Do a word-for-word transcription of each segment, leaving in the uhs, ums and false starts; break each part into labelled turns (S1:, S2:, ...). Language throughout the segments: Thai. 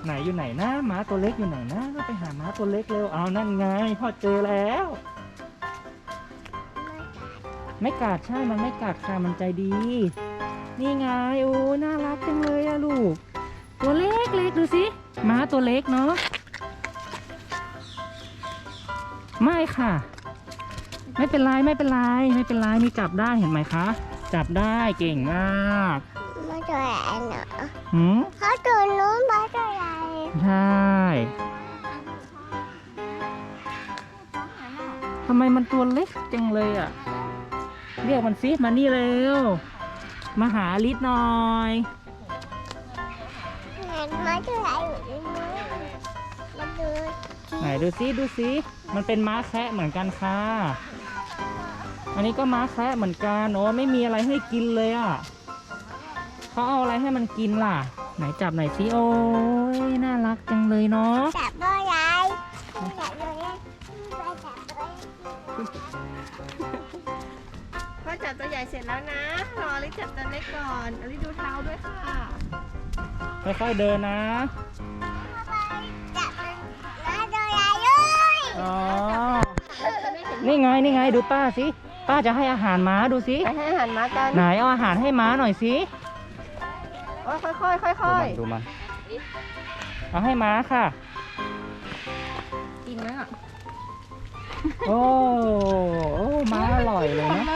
S1: ไหนอยู่ไหนนะม้าตัวเล็กอยู่ไหนนะไปหาม้าตัวเล็กเร็วเอานั่นไงพ่อเจอแล้วไม่กัดใช่มันไม่กัดค่ะมันใจดีนี่ไงโอ้น่ารักจังเลยอะลูกตัวเล็กเล็กดูสิม้าตัวเล็กเนาะไม่ค่ะไม่เป็นไรไม่เป็นไรไม่เป็นไรนี่จับได้เห็นไหมคะจับได้เก่งมาก
S2: มาตัวใหญ่เนาะ
S1: หืม
S2: เขาตัวนู้นมาตัวใหญ่
S1: ใช่ทำไมมันตัวเล็กจังเลยอ่ะเรียกมันสิมานี่เร็วมาหาลิศหน่อย
S2: เห็นมาตัวใหญ่อยู่ในมือมาดู
S1: ไหนดูสิดูสิมันเป็นม้าแคะเหมือนกันค่ะอันนี้ก็ม้าแคะเหมือนกันโอ้ไม่มีอะไรให้กินเลยอ่ะเขาเอาอะไรให้มันกินล่ะไหนจับไหนสิโอ้ยน่ารักจังเลยเนาะ
S2: จับตัวใหญ่จับตัวใหญ่จับตัว
S3: พ่อจับตัวใหญ่เสร็จแล้วนะรอลิจับตัวเล็กก่อนอลิดูเท้าด้วยค่ะ
S1: ค่อยๆเดินนะ
S2: จับมาตัวใหญ่เลย
S1: อ๋อนี่ไงนี่ไงดูป้าสิป้าจะให้อาหารม้าดูสิ
S3: ไปให้อาหารม้ากัน
S1: ไหนเอาอาหารให้ม้าหน่อยสิ
S3: โอ้ยค่อยๆค่อย
S1: ๆดูมันเอาให้ม้าค่ะ
S3: กินไหมอ่ะ
S1: โอ้โอ้ม้าอร่อยเลยนะ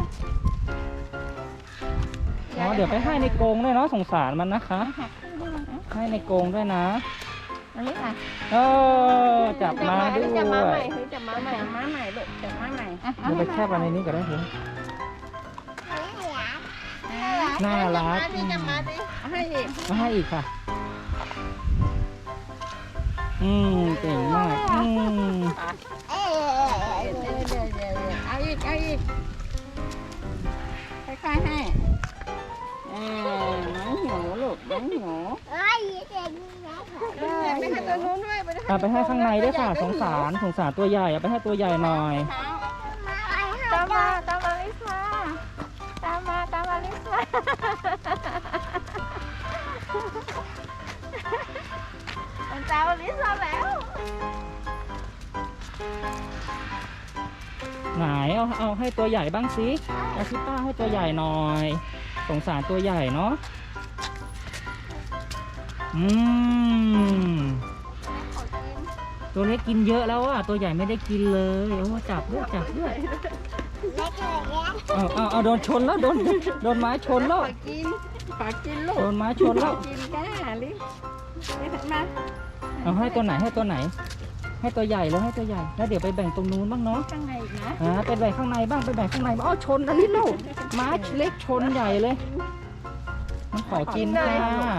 S1: อ๋อเดี๋ยวไปให้ในกรงด้วยเนาะสงสารมันนะคะให้ในกรงด้วยนะ
S3: อันนี้ค่ะ
S1: เออจับม้าด้วย
S3: จับม้าใหม่จับม้าใหม่ม้าใหม่ลูกจับม้าใหม่
S1: เดี๋ยวไปแคบอะไรนี้ก็ได้เหรอน่ารัก
S3: นี่จับม้าดิให้อีก
S1: มาให้อีกค่ะอืมเก่งมากอืม
S2: เออ
S3: เดี๋ยวเดี๋ยวเดี๋ยวเอาอีกเอาอีกค่อยๆให้เออม้าหิวลูกม้าหิว
S2: เอ้ยเด็ก
S3: ไปให้ตัวนู้นด้วย
S1: ไปให้ข้างในด้วยค่ะสงสารสงสารตัวใหญ่เอาไปให้ตัวใหญ่หน่อย
S3: ตามมาตามมาลิซ่าตามมาตามมาลิซ่ามันตามมาลิซ่าแล้ว
S1: ไหนเอาเอาให้ตัวใหญ่บ้างสิเอาซิป้าให้ตัวใหญ่หน่อยสงสารตัวใหญ่เนาะอืมตัวเล็กกินเยอะแล้วอ่ะตัวใหญ่ไม่ได้กินเลยโอ้จับด้วยจับด้วยเอาเอาเอาโดนชนแล้วโดนโดนไม้ชนแล้ว
S3: ขอกินขอกินลูก
S1: โดนไม้ชนแล้ว
S3: กินก้าลิลิมา
S1: เอาให้ตัวไหนให้ตัวไหนให้ตัวใหญ่แล้วให้ตัวใหญ่แล้วเดี๋ยวไปแบ่งตรงนู้นบ้างเนาะ
S3: ข้างในอีกนะ
S1: อ่าไปแบ่งข้างในบ้างไปแบ่งข้างในอ๋อชนอันนี้ลูกไม้เล็กชนใหญ่เลยมันขอกินค่ะ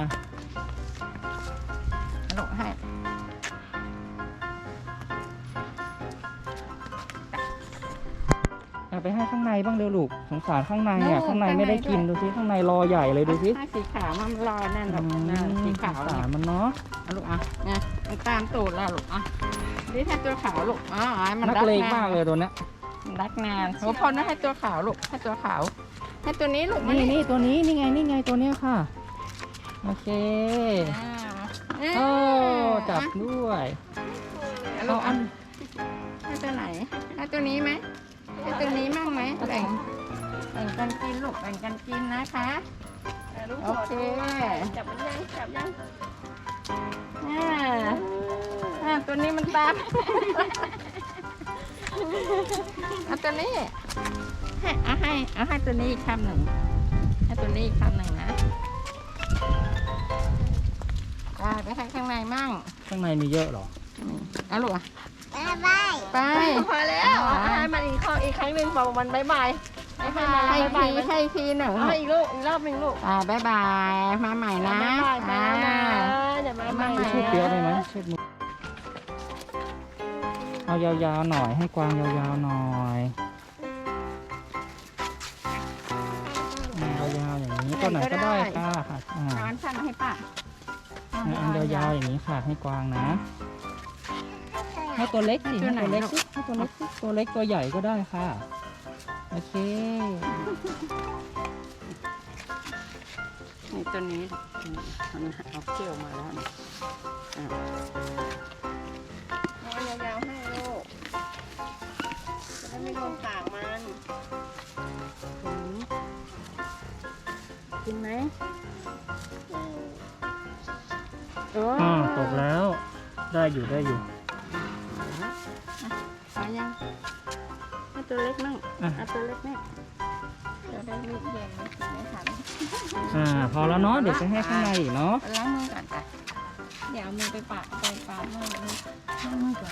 S3: ลูกให้
S1: เอาไปให้ข้างในบ้างเร็วลูกสงสารข้างในอ่ะข้างในไม่ได้กินดูสิข้างในรอใหญ่เลยดูสิ
S3: สีขาวมันรอแน่นแบบสีขาว
S1: สารมันเนาะ
S3: ลูกอ่ะเนี่ยมันตามตูดแล้วลูกอ่ะนี่ให้ตัวขาวลูกอ๋อมัน
S1: นักเลงมากเลยตัวเนี้ย
S3: รักงานโอ้พอนะให้ตัวขาวลูกให้ตัวขาวให้ตัวนี้ลูก
S1: นี่นี่ตัวนี้นี่ไงนี่ไงตัวเนี้ยค่ะโอเคโอ้จับด้วยเอาอัน
S3: ให้ตัวไหนให้ตัวนี้ไหมให้ตัวนี้มั่งไหมแบ่งแบ่งกันกินลูกแบ่งกันกินนะคะโอเคจับมันยังจับยังอ่าอ่าตัวนี้มันตามเอาตัวนี้ให้เอาให้เอาให้ตัวนี้อีกคำหนึ่งให้ตัวนี้อีกคำหนึ่งนะไปให้ข้างในมั่ง
S1: ข้างในมีเยอะหรอ
S3: เอาลูกอ่ะ
S2: ไป
S3: ไป
S2: พอแล้ว
S3: ให้มันอีกข้ออีกครั้งหนึ่งบอกมันบายบายให้ทีให้ทีหนึ่งให้อีกลูกอีกรอบหนึ่งลูกอ่าบายบายมาใหม่นะ
S2: มา
S3: เดี๋ยวมาใหม่
S1: ชุดเดียวได้ไหมชุดมือเอายาวๆหน่อยให้กวางยาวๆหน่อยยาวๆอย่างนี้ตัวไหนก็ได้ค่ะ
S3: อ่าสั้นให้ป้า
S1: อันยาวๆอย่างนี้ค่ะให้กวางนะให้ตัวเล็กสิให้ตัวเล็กสิให้ตัวเล็กสิตัวเล็กตัวใหญ่ก็ได้ค่ะโอเค
S3: ตัวนี้มันเอาเขี้ยวมาแล้วเนี่ยอ่ะเอายาวๆให้ลูกจะได้ไม่โดนปากมันอืมกินไหมโอ้
S1: อ่าตกแล้ว ได้อยู่ได้อยู่
S3: เอายังให้ตัวเล็กมั่ง
S1: อ่ะ
S3: เอาตัวเล็กแม่เดี๋ยวได้รีบเย็นไม่ทัน
S1: อ่า พอแล้วเนาะ เดี๋ยวจะให้ข้างในอีกเนาะ
S3: ล้างมือก่อนจ้ะเดี๋ยวเอามือไปปะไปปามือเลยล้างมือก่อน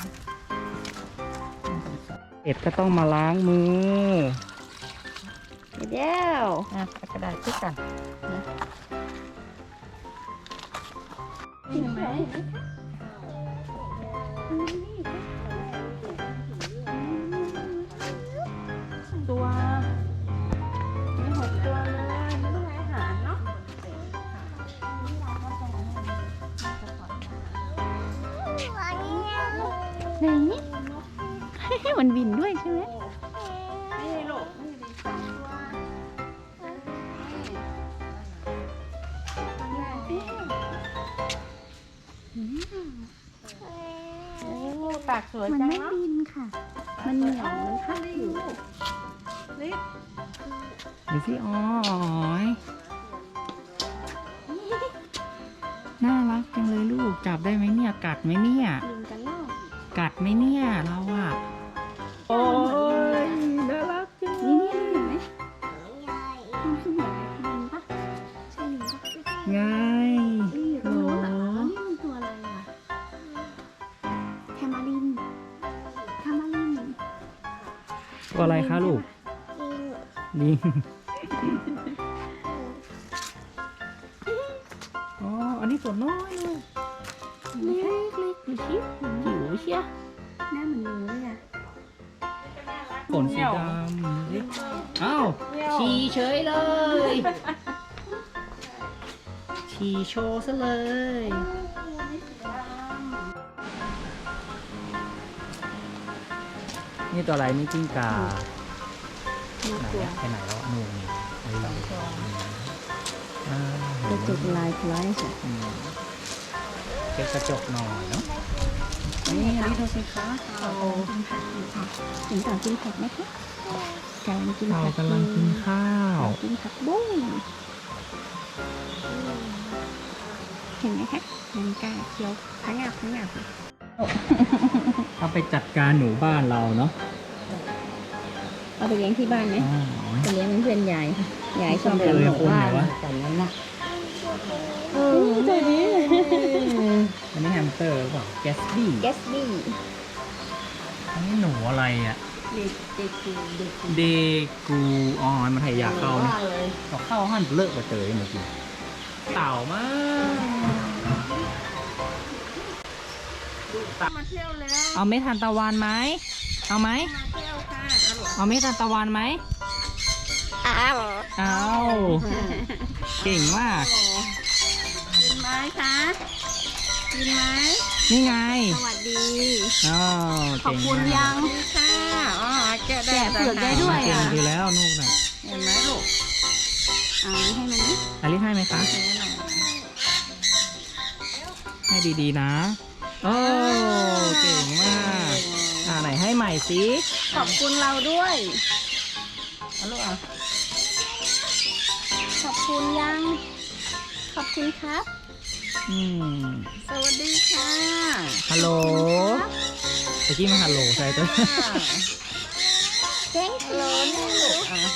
S1: เอ็ดก็ต้องมาล้างมือ
S3: เดี๋ยวอ่ะเอากระดาษพลิกกันนะกินไหมตัวมีหกตัวเลยไม่ต้องให้อาหารเนาะไหนให้มันบินด้วยใช่ไหมนี่ลูกนี่ดีสองตัวโอ้ปากสวย
S2: มัน
S3: จัง
S2: ไม่
S3: เนาะ
S2: บินค่ะ มันเหนียวมันพัดอยู่
S3: ลิป
S1: ดูสิอ๋อยน่ารักจังเลยลูก จับได้ไหมเนี่ย กัดไหมเนี่ย
S2: บินกันรอบ
S1: กัดไหมเนี่ยเราอะโอ้ยน่ารักจัง
S2: นี่นี่เห็นไหมมันคือเหมือนลิงปะใช่ลิงปะ
S1: ไง
S2: นี่อยู่ตรงโน้นอ่ะแล้วนี่มันตัวอะไรอ่ะแทมารินแทมาริน
S1: ตัวอะไรคะลูกลิงอ๋อ อันนี้ตัวน้อยเลย
S2: เล็กเล็กดูชิจิ๋วเชียหน้าเหมือนหนูเลยอ่ะ
S1: ขนสีดำอ้าวฉี่เฉยเลย ฉี่โชว์ซะเลย นี่ตัวอะไรนี่จิ้งกาไหนอะไปไหนแล้วอะนู่นนี่ไอ้หลังอ่าเห็น
S3: จะ
S1: ไหม
S3: จุดลายคล้ายสิ
S1: อืมเช็ดกระจกหน่อยเนาะ
S3: นี่อันนี้ดูสิคะ
S2: โอ้กินผักอยู่ค่ะถึงต่างกินผักไหมคะกำลังกิน
S1: เรา
S2: ผัก
S1: กำลังกินข้าว
S2: กินผักบุ้งเห็นไหมคะมันกล้าเคี้ยวพังงับพังงับ
S1: ถ้าไปจัดการหนูบ้านเราเนาะ
S2: เอาไปเลี้ยงที่บ้านไหม
S1: อ๋อ
S2: ไปเลี้ยงเป็นเพื่อนยายค่ะยายชอบ
S1: เอ
S2: เลี้ยง
S1: อ
S2: หมู
S1: คนไหน
S2: บ้าน
S1: วะ
S3: แต่นั้นนะ
S2: เออตัวนี้
S1: อันนี้แฮมสเตอร์หรือเปล่าแกสบี้
S2: แกสบี้
S1: อันนี้หนูอะไรอ่ะ
S3: เด็กเด็กคือเด็ก
S1: เดกูอ๋อมันไทยอยากเข้านะ
S3: ว่าเลย
S1: ก็เข้าหั่นเลิกไปเตยเมื่อกี้เต่ามาก
S3: มาเที่ยวแล้ว
S1: เอาเม็ดทานตะวันไหมเอาไหม
S3: มาเที่ยวค่ะอร่อย
S1: เอาเม็ดทานตะวันไหม
S2: อ้าว
S1: เอาเก่งมาก
S3: กินไหมคะกินไหม
S1: นี่ไง
S2: สวัสดี
S1: อ๋อ
S2: ขอบ
S1: เก่ง
S2: คุณ
S1: มาก
S2: ยัง
S3: ดีค่ะอ๋อแกะได้
S2: แกะเปลือกได้ด้วย
S1: เก่ง
S2: อ่ะ
S1: ดีแล้วนูกน่ะ
S3: เห็นไหมลูก
S2: เอาให้มันนะ
S1: อลิให้ไหมคะ
S3: นี่หน่อย
S1: ให้ดีๆนะโอ้เก่งมากอ่าไหนให้ใหม่สิ
S2: ขอบคุณเราด้วย
S3: เอาลูกอ่ะ
S2: ขอบคุณยัง ขอบคุณครับ
S1: อืม
S3: สวัสดีค่ะ
S1: ฮัลโหลตะกี้มันฮัลโหลใช่ตัว
S2: thank
S3: ฮัลโหล
S2: you
S3: นี่ลูกอ่ะ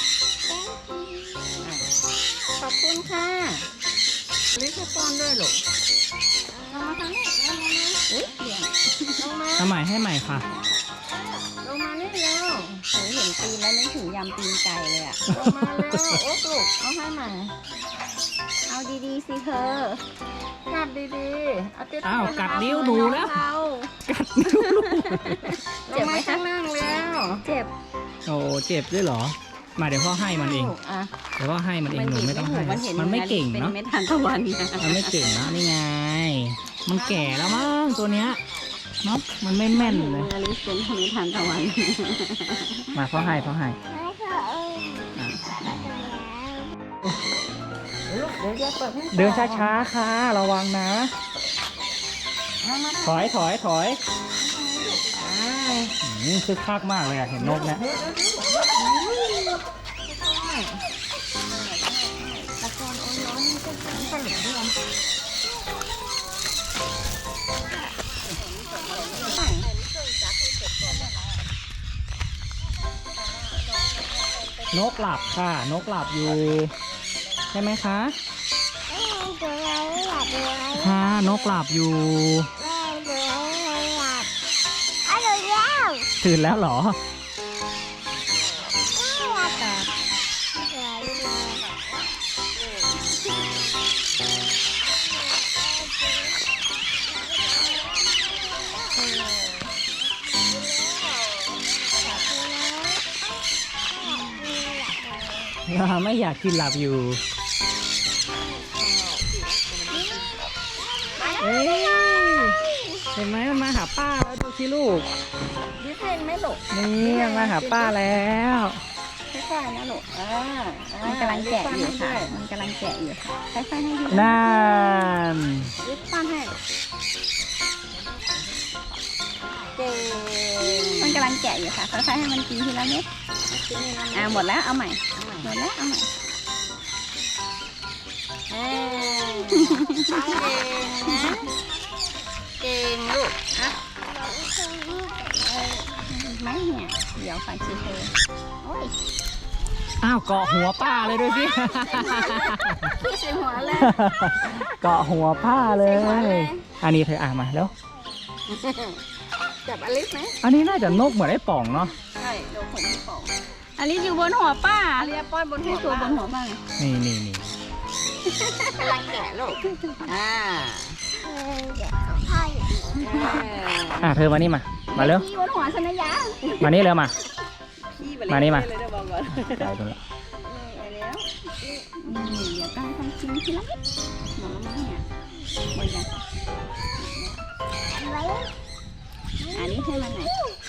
S2: ขอบคุณค่ะ
S3: ลิซป้อนด้วยลูก
S2: ลงมาทางนี้ลงมาอุ้ยเดี๋ยว
S3: ลงมา
S1: ทำใหม่ให้ใหม่ค่ะ
S3: ลงมานี่เร็ว
S2: โหเห็นตีนแล้วนึกถึงยำตีนไก่เลยอ่ะ
S3: ลงมาเร็วโอ๊กลูกเอาให้ใหม่
S2: เอาดีๆสิเธอ
S3: กัดดีๆเอาติด
S1: อ้าวกัดนิ้วหนูแล้ว
S2: เรา
S1: กัดนิ้วลูก
S3: ลงมาข้างล่างแล้ว
S2: เจ็บ
S1: โอ้เจ็บด้วยเหรอ มาเดี๋ยวพ่อให้มันเอง
S3: อ่ะ
S1: เดี๋ยวพ่อให้มันเองหนูไม่ต้องให้
S2: มันเห็น
S1: มันไม่เก่ง
S2: เป็น
S1: เนาะ
S2: เม็ดทานตะวันนะ
S1: มันไม่เก่งนะนี่ไง มันแก่แล้วมั้งตัวเนี้ยเนาะมันไม่แม่นเลย
S2: อลิสเป็นเม็ดทานตะวัน
S1: มาพ่อให้พ่อให้
S2: ไม่ค่ะเออ
S1: อ่ะ
S3: ลูกเดี๋ยวจะเปิดให้
S1: เดินช้าๆค่ะระวังนะ
S3: เอามา
S1: ถอยถอยถอย
S3: ๆอ่า
S1: อืมคึกคักมากเลยอะเห็นนกเนี่ย
S3: ตะกอนโอ้ยร้อนนี่ก็ก็เหลือด้วย
S1: นกหลับค่ะ นกหลับอยู่ ใช่ไหมคะค่ะนกหลับอยู่ ตื่นแล้วเหรอ ไม่อยากกินหลับอยู่ เอ้ยเห็นไหมมันมาหาป้าแล้วดูสิลูก
S3: ดิเซนไหม่หลก
S1: นี่มันมาหาป้าแล้ว
S3: ค่อยๆนะหลกอ่ามันกำลังแกะอยู่ค่ะ มันกำลังแกะอยู่ค่ะค่อยๆให้ดู
S1: นั่น
S3: ดิป้อนให้เก่งมันกำลังแกะอยู่ค่ะค่อยๆให้มันกินทีละเม็ดอ่าหมดแล้วเอาใหม่หมดแล้วเอาใหม่เอ้ยเก่งนะเก่งลูกอ่ะไม่เนี่ยเดี๋ยวฝันชีเธอโอ้ย
S1: อ้าวเกาะหัวป้าเลยด้วยสิ
S3: พี่ใส่หัวเลย
S1: เกาะหัวป้าเลย อันนี้เธออ่านมาแล้ว
S3: จับอลิสไหม
S1: อันนี้น่าจะนกเหมือนไอ้ป่องเนาะ
S3: ใช่เดี๋ยวผมพี่ป๋อง
S2: อันนี้อยู่บนหัวป้า
S3: อาเรียป้อนบนหัวตัวบนหัวบ้าง
S1: นี่นี่นี่
S3: กำลังแกะลูกอ่า
S1: อ่ะเธอมานี่มา มาเร็ว
S2: พี่บนหัวชนยา
S1: มานี่เร็วมา
S3: พี่
S1: มานี่มา
S3: เลยนะบอกก่อน
S1: ไปตรงนี้
S3: ไปแล้วนี่เดี๋ยวต้องทำชิ้นทีละนิดหมดแล้วมั้งเนี่ยหมดยังอันนี้ให้มันหน่อย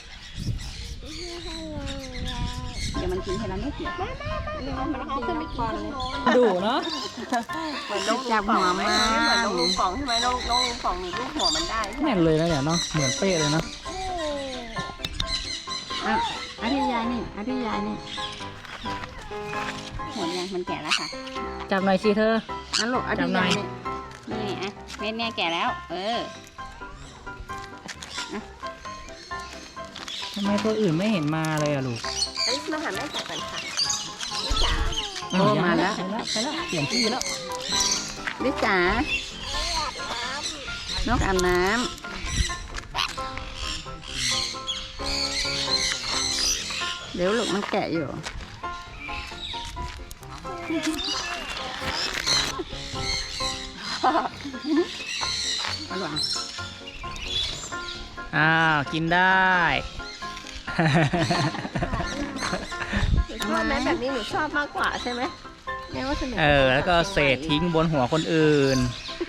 S3: เดี๋ยวมันกินทีละนิดเดียวมันเอาขึ้นไปกินเลย
S1: ดูเนาะ
S3: เหมือนนกจับหัวไหมเหมือนนกลูกป่องใช่ไหมนกนกลูกป่องหนีลูกหัวมันได้
S1: แน่นเลยนะเนี่ยเนาะ เหมือนเป๊ะเลยเนาะ
S3: อ่ะอาทิตยายนี่อาทิตยายนี่หมดยังมันแก่แล้วค่ะ
S1: จับหน่อยสิเธอ
S3: อันลูกอาทิ
S1: จั
S3: ต
S1: บหน่
S3: ยา
S1: อย
S3: ยนี่นี่อ่ะเม็ดเนี่ยแก่แล้ว เออ
S1: ทำไมตัวอื่นไม่เห็นมาเลยอะลูก
S3: อันนี้มาหาแม่จ๋าก่อนค่ะแม่จ๋า
S1: อ้ว
S3: โอ้มาแล้ว
S1: ไปแล้วไปแล้วเปลี่ยนที่แล้ว
S3: ลิจ๋านกอาบน้ำเดี๋ยวลูกมันแกะอยู่อร่อย
S1: อ้าวกินได้
S3: ชอบไหมแบบนี้หนูชอบมากกว่าใช่ไหมแม่ว่าสนุก
S1: เออ แล้วก็เศษทิ้งบนหัวคนอื่น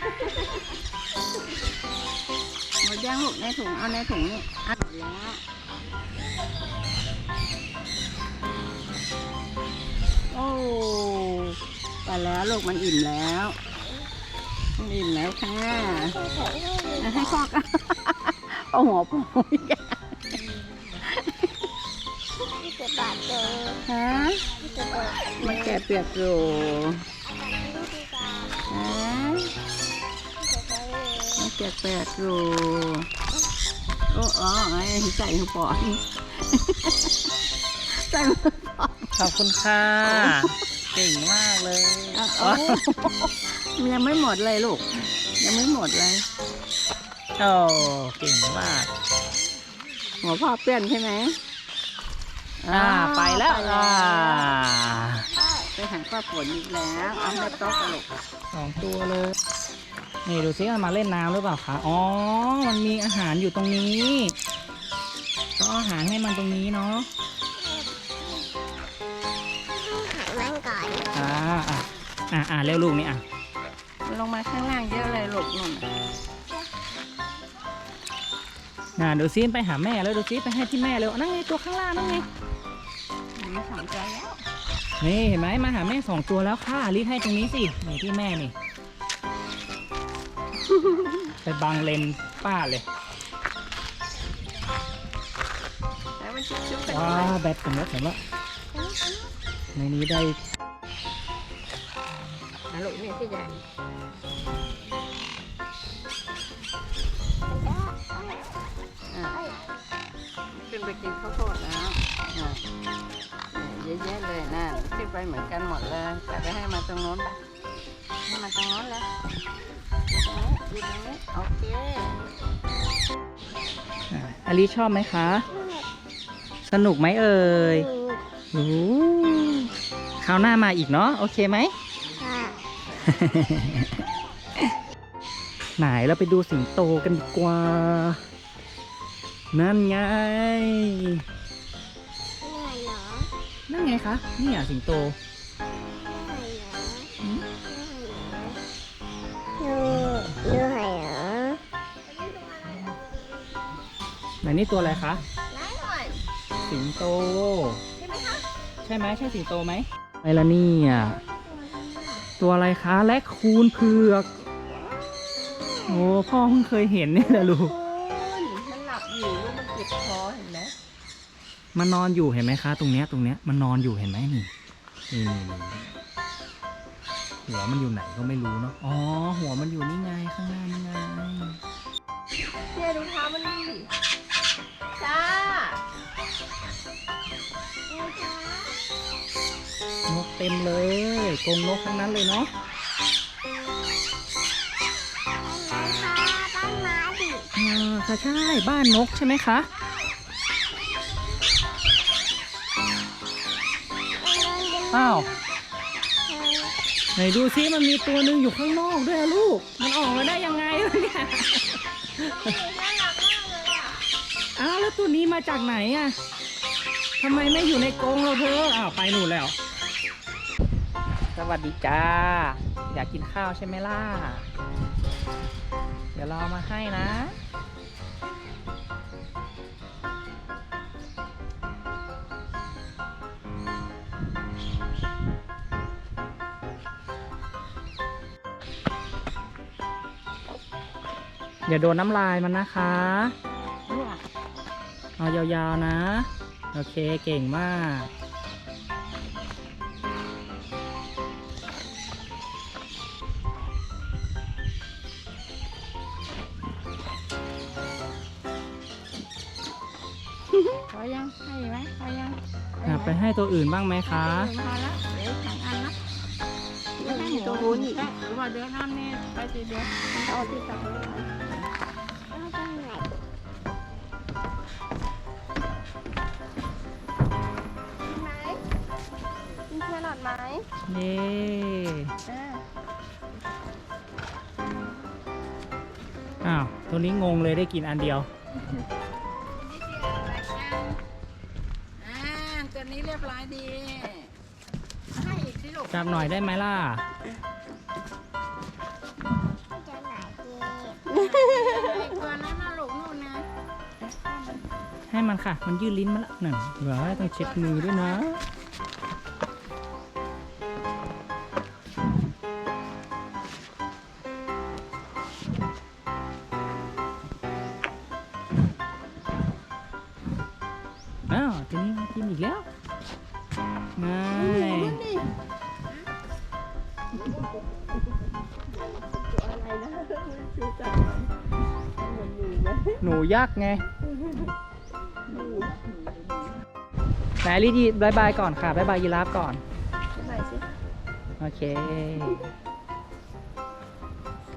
S3: หมดย่างลูกในถุงเอาในถุงนี่อัดแล้วโอ้ไปแล้วลูกมันอิ่มแล้วมันอิ่มแล้วค่ะให้พ่อกันเอาหัวปูอีกฮะมันแกะเปียกอยู่ฮะมันแกะเปียกอยู่โอ้อ๋อไอ้ใส่หัวปอนใส่หัวปอน
S1: ขอบคุณค่ะ เก่งมากเลย
S3: เอาเอามันยังไม่หมดเลยลูกยังไม่หมดเลย
S1: โอ้เก่งมาก
S3: หัวพ่อเปื้อนใช่ไหม
S1: อ่า ไปแล้ว
S3: ไป
S1: อ่า
S3: ไปหาข้าวฝนอีกแล้วเอาไปโต๊ะกันลูก
S1: สองตัวเลย นี่ดูซิมันมาเล่นน้ำหรือเปล่าคะ อ๋อ มันมีอาหารอยู่ตรงนี้ก็เอาอาหารให้มันตรงนี้เนาะ
S2: นั่งก่อน
S1: อ่า อ่ะ อ่ะอ่ะเร็วลูกนี่อ่ะ
S3: ลงมาข้างล่างเยอะเลยลูกนุ่น
S1: น่ะดูซิไปหาแม่แล้วดูซิไปให้ที่แม่เร็วนั่งไงตัวข้างล่างนั่งไง
S3: มีสองตัวแล้ว
S1: นี่เห็นไหมมาหาแม่สองตัวแล้วค่ะรีบให้ตรงนี้สินี่ที่แม่นี่ ไปบังเลนป้าเลย
S3: แล้วมันชุบๆกัน
S1: ว้า
S3: ด้วย
S1: วแบตผมแล้วผมแล้วในนี้ได้
S3: นะลูกนี่ที่ใหญ่อ่ะขึ้นไปกินข้าวโพดแล้วอ่ะเยอะแยะเลยนะขึ้นไปเหมือนกันหมดเลยแต่ไปให้มาตรงโน้นให้มาตรงโน้นเลยอยู่ตรงนี้โอเค
S1: อ่ะอลิชอบไหมคะ สนุกไหมเอ่ยโอ้คราวหน้ามาอีกเนาะโอเคไหม
S2: ค่ะ
S1: ไหนเราไปดูสิงโตกันดีกว่า นั่นไง
S2: เหนื่อยเหรอ
S1: นั่นไงคะ นี่อ่ะสิงโต
S2: เหนื่อยเหรอ
S1: ไหนนี่ตัวอะไรคะ
S2: เหนื่อยเหรอ
S1: สิงโต
S2: ใช่ไหมคะ
S1: ใช่ไหมใช่สิงโตไหมไปละนี่อ่ะ ตัวอะไรคะ แลคคูนเผือก โอ้พ่อเพิ่งเคยเห็นเนี่ยแหละลูก
S3: มันหลับอยู่ลูกมันเจ็บคอเห็นไหม
S1: มันนอนอยู่เห็นไหมคะ ตรงเนี้ยตรงเนี้ยมันนอนอยู่เห็นไหมนี่นี่นี่นี่หัวมันอยู่ไหนก็ไม่รู้เนาะอ๋อหัวมันอยู่นี่ไงข้างหน้านี่ไง
S2: เนี่ยดูเท้ามันดิจ้าน
S1: กเต็มเลยกรงนกทั้งนั้นเลยเนาะ
S2: บ้านม้าดิ
S1: อ่าค่ะใช่บ้านนกใช่ไหมคะอ้าวไหนดูซิมันมีตัวหนึ่งอยู่ข้างนอกด้วยอะลูกมันออกมาได้ยังไงวะเนี่ย
S2: น่ารักมากเลยอ่ะ
S1: อ้าวแล้วตัวนี้มาจากไหนอะทำไมไม่อยู่ในกรงเราเธออ้าวไปหนูนแล้ว สวัสดีจ้า อยากกินข้าวใช่ไหมล่ะ เดี๋ยวเราเอามาให้นะ อย่าโดนน้ำลายมันนะคะ เอายาวๆนะ โอเคเก่งมาก
S3: พอยังให้ไหมพอยัง
S1: อยากไปให้ตัวอื่นบ้างไหมคะ
S3: พอแล้วเดี๋ยวสองอันนะเดี๋ยวให้หมูตัวนี้หรือว่าเดี๋ยวน้ำนี่ไปสิเดี๋ยวเอาที่ตักเลย
S2: เอาตรงไหนไหมมีแครอทไหม
S1: เย้
S3: อ่า
S1: อ้าว ตัวนี้งงเลยได้กินอันเดียว
S3: อ่าตัวนี้เรียบร้อยดี ให้อีกสิลูก
S1: จับหน่อยได้ไหมล่ะ
S2: จะไหนดี
S3: อีกตัวนั้นนะลูกนู่นนะ
S1: ให้มันค่ะ มันยืดลิ้นมาแล้วนั่นเดี๋ยวต้องเช็ดมือด้วยนะ อ้าวตัวนี้มากินอีกแล้วง่ายหนูยักษ์ไงไหนรีดีบายบายก่อนค่ะบายบายยีราฟก่อน
S2: ไหนสิ
S1: โอเค